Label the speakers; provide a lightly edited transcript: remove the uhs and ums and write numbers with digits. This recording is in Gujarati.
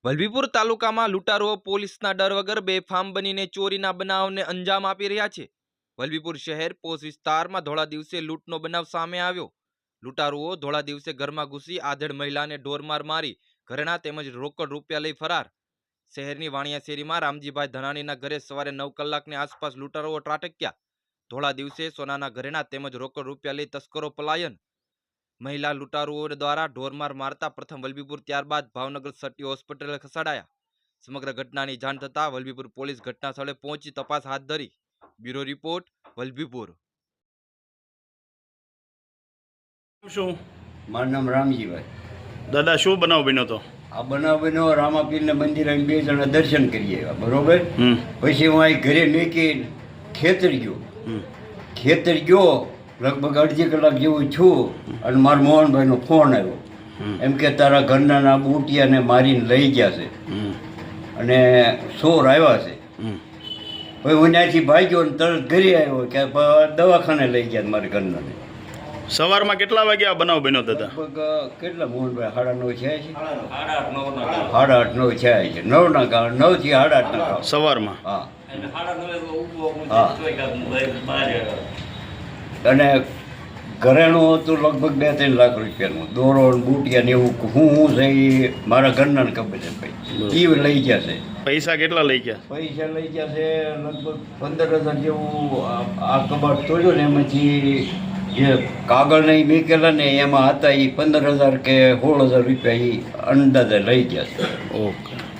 Speaker 1: વલભીપુર તાલુકામાં લૂંટારુઓ પોલીસના ડર વગર બેફામ બનીને ચોરીના બનાવને અંજામ આપી રહ્યા છે। વલભીપુર શહેર પોસ્ટ વિસ્તારમાં ધોળા દિવસે લૂંટનો બનાવ સામે આવ્યો। લૂંટારુઓ ધોળા દિવસે ઘરમાં ઘૂસી આધેડ મહિલાને ઢોરમાર મારી ઘરેણા તેમજ રોકડ રૂપિયા લઈ ફરાર। શહેરની વાણિયા શેરીમાં રામજીભાઈ ધનાણીના ઘરે સવારે 9 કલાકની આસપાસ લૂંટારુઓ ત્રાટક્યા। ધોળા દિવસે સોનાના ઘરેણા તેમજ રોકડ રૂપિયા લઈ તસ્કરો પલાયન। મહિલા લૂંટારુઓ દ્વારા ઢોરમાર મારતા પ્રથમ વલભીપુર ત્યારબાદ ભાવનગર સટી હોસ્પિટલે ખસેડાયા। સમગ્ર ઘટનાની જાણ થતાં વલભીપુર પોલીસ ઘટના સ્થળે પહોંચી તપાસ હાથ ધરી। Bureau report Vallabhipur.
Speaker 2: શું
Speaker 3: મારું નામ રામજીભાઈ।
Speaker 2: દાદા શું બનાવ બન્યો તો?
Speaker 3: આ બનાવ બન્યો રામાપીરના મંદિરે અમે 2 જણા દર્શન કરી આવ્યા, બરોબર। પછી હું અહીં ઘરે મૂકી ખેતર ગયો લગભગ અડધી કલાક જેવું છું અને મારા મોહનભાઈનો ફોન આવ્યો, એમ કે તારા ઘરના ના બુટિયાને મારીને લઈ ગયા છે અને ચોર આવ્યા છે। પછી હું ત્યાંથી ભાગ્યો ને તરત ઘરે આવ્યો કે દવાખાને લઈ ગયા મારા ઘરનાને।
Speaker 2: સવારમાં કેટલા વાગે આ બનાવ બન્યો દાદા?
Speaker 3: લગભગ કેટલા મોહનભાઈ 9:30 થયા છે? 8:30 થયા છે। 9 થી 8:30
Speaker 2: સવારમાં?
Speaker 3: હા અને ઘરેણું હતું લગભગ 2-3 લાખ રૂપિયાનું, દોરો બુટિયા ને એવું હું છે એ મારા ઘરના ખબર છે ભાઈ, એ લઈ ગયા છે।
Speaker 2: પૈસા કેટલા લઈ ગયા?
Speaker 3: પૈસા લઈ ગયા છે લગભગ 15,000 જેવું। આ કબાટ તોડ્યો ને એમાંથી જે કાગળ નહીં મેકેલા ને એમાં હતા એ 15,000 કે 16,000 રૂપિયા એ અંદાજે લઈ ગયા છે।
Speaker 2: ઓકે।